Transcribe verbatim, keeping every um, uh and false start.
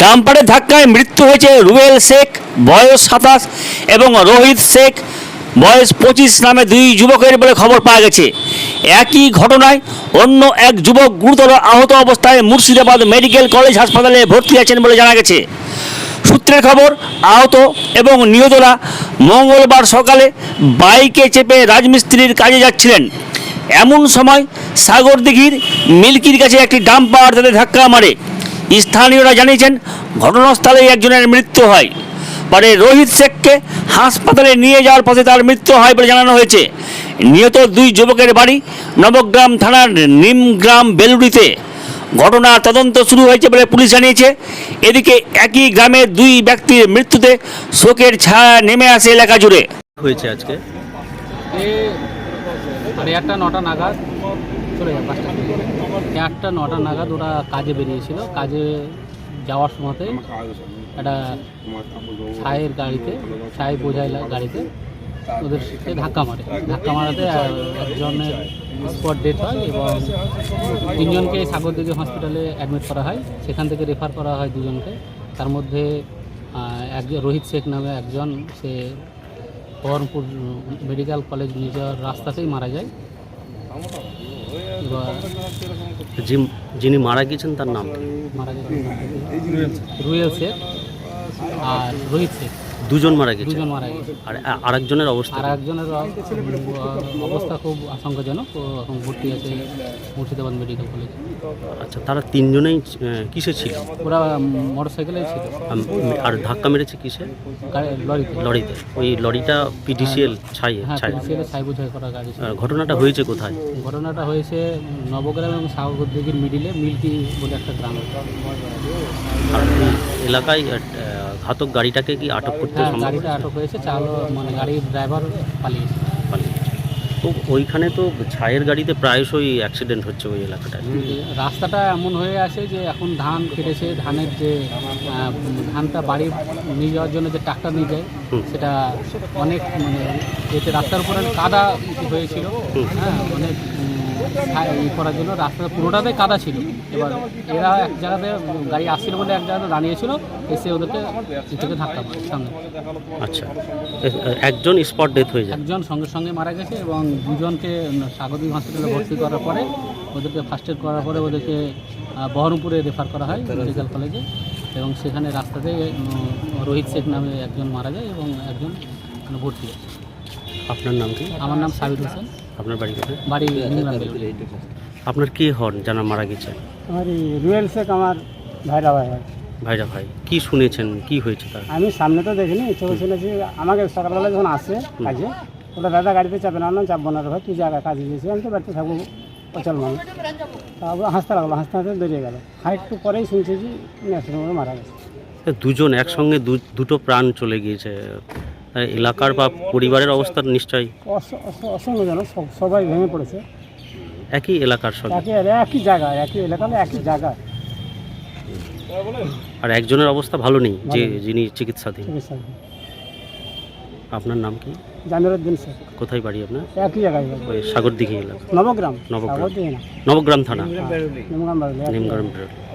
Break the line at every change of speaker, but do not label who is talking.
ডাম্পারের ধাক্কায় মৃত্যু হয়েছে রুবেল শেখ বয়স সাতাশ এবং রোহিত শেখ বয়স পঁচিশ নামে দুই যুবকের বলে খবর পাওয়া গেছে। একই ঘটনায় অন্য এক যুবক গুরুতর আহত অবস্থায় মুর্শিদাবাদ মেডিকেল কলেজ হাসপাতালে ভর্তি আছেন বলে জানা গেছে। সূত্রের খবর, আহত এবং নিহতরা মঙ্গলবার সকালে বাইকে চেপে রাজমিস্ত্রির কাজে যাচ্ছিলেন। এমন সময় সাগরদিঘির মিল্কির কাছে একটি ডাম্পার তাদের ধাক্কা মারে। স্থানীয়রা জানিয়েছেন ঘটনাস্থলেই একজনের মৃত্যু হয়। পরে রোহিত শেখকে হাসপাতালে নিয়ে যাওয়ার পথে তার মৃত্যু হয় বলে জানানো হয়েছে। নিহত দুই যুবকের বাড়ি নবগ্রাম থানার নিমগ্রাম বেলুড়িতে। ঘটনার তদন্ত শুরু হয়েছে বলে পুলিশ জানিয়েছে। এদিকে একই গ্রামের দুই ব্যক্তির মৃত্যুতে শোকের ছায়া নেমে আসে এলাকা জুড়ে।
হয়েছে আজকে
সাড়ে আটটা নটা নাগাদ চলে যায় পাঁচটা আটটা নটা নাগাদ ওরা কাজে বেরিয়েছিল। কাজে যাওয়ার সময়তে একটা ছায়ের গাড়িতে ছাই বোঝাই গাড়িতে ওদের ধাক্কা মারে। ধাক্কা মারাতে একজনের স্পট ডেথ হয় এবং তিনজনকে সাগরদিঘি হসপিটালে অ্যাডমিট করা হয়। সেখান থেকে রেফার করা হয় দুজনকে। তার মধ্যে একজন রোহিত শেখ নামে একজন, সে বহরমপুর মেডিকেল কলেজ নিয়ে যাওয়ার রাস্তাতেই মারা যায়। এবার
যিনি মারা গেছেন তার নাম
মারা গেছেন রুয়েল শেখ আর রোহিত শেখ,
দুজন মারা গেছে।
দুজন মারা গেছে।
আর আরেকজনের অবস্থা
আর একজনের অবস্থা খুব আশঙ্কাজনক, ও এখন ভর্তি আছে মুর্শিদাবাদ মেডিকেল কলেজে।
আচ্ছা, তারা তিনজনেই কিসে ছিল?
ওরা মোটর সাইকেলে ছিল।
আর ধাক্কা মেরেছে কিসে?
লরিতে।
লরিতে। ওই লরিটা পিডিসিএল ছাই ছাই
ছাই বোঝাই করা গাড়ি।
ঘটনাটা হয়েছে কোথায়?
ঘটনাটা হয়েছে নবগ্রাম এবং সাগরদিঘির মিডিলে মিল্কি বলে একটা গ্রাম।
আর এলাকায় ঘাতক গাড়িটাকে কি আটক করতে সম্ভব?
গাড়িটা আটক হয়েছে, চালক মানে গাড়ির ড্রাইভার পালিয়েছে।
তো ওইখানে তো ছায়ের গাড়িতে প্রায়শই অ্যাক্সিডেন্ট হচ্ছে ওই এলাকাটায়।
রাস্তাটা এমন হয়ে আছে যে এখন ধান কেটেছে, ধানের যে ধানটা বাড়ি নিয়ে যাওয়ার জন্য যে ট্রাক্টর নিয়ে যায় সেটা অনেক মানে এতে রাস্তার উপরে কাদা হয়েছিল। হ্যাঁ, অনেক ই করার জন্য রাস্তা পুরোটাতে কাদা ছিল। এবার এরা এক জায়গাতে গাড়ি আসছিল বলে এক জায়গাতে দাঁড়িয়েছিল, এসে ওদেরকে থেকে ধাক্কা মারে সামনে।
আচ্ছা, একজন স্পট ডেথ হয়ে যায়,
একজন সঙ্গে সঙ্গে মারা গেছে এবং দুজনকে সাগরদিঘি হসপিটালে ভর্তি করার পরে ওদেরকে ফার্স্ট এড করার পরে ওদেরকে বহরমপুরে রেফার করা হয় মেডিকেল কলেজে। এবং সেখানে রাস্তাতে রোহিত শেখ নামে একজন মারা যায় এবং একজন ভর্তি আছে।
আপনার নাম কি?
আমার নাম সাবির হোসেন।
আপনার বাড়ি কোথায়?
বাড়ি
আপনার কে হন যারা মারা গেছে?
আমার রুয়েল শেখ আমার ভাইরা ভাই হয়।
ভাইরা ভাই। কি শুনেছেন, কি হয়েছে তার?
আমি সামনে তো দেখিনি, চোখে শুনেছি। আমাকে সকালবেলা যখন আসে কাজে, ওটা দাদা গাড়িতে চাপে না, না চাপবো না রে ভাই, তুই জায়গা কাজে গেছি, আমি তো বাড়িতে থাকবো অচল মানুষ। তারপর হাসতে লাগলো, হাসতে হাসতে বেরিয়ে গেল। আর একটু পরেই শুনছি যে ন্যাশনাল মারা গেছে।
দুজন একসঙ্গে দুটো প্রাণ চলে গিয়েছে। এলাকার বা পরিবারের অবস্থা নিশ্চয়ই
অসংখ্যজনক, সবাই ভেঙে পড়েছে।
একই এলাকার সঙ্গে
একই একই জায়গায়, একই এলাকা, একই জায়গায়।
আর একজনের অবস্থা ভালো নেই, যে যিনি চিকিৎসাধীন। আপনার নাম কি?
জামিরুদ্দিন শেখ।
কোথায় বাড়ি আপনার?
একই জায়গায়,
ওই সাগরদিঘি এলাকা।
নবগ্রাম।
নবগ্রাম নবগ্রাম থানা,
নিমগ্রাম।
নিমগ্রাম।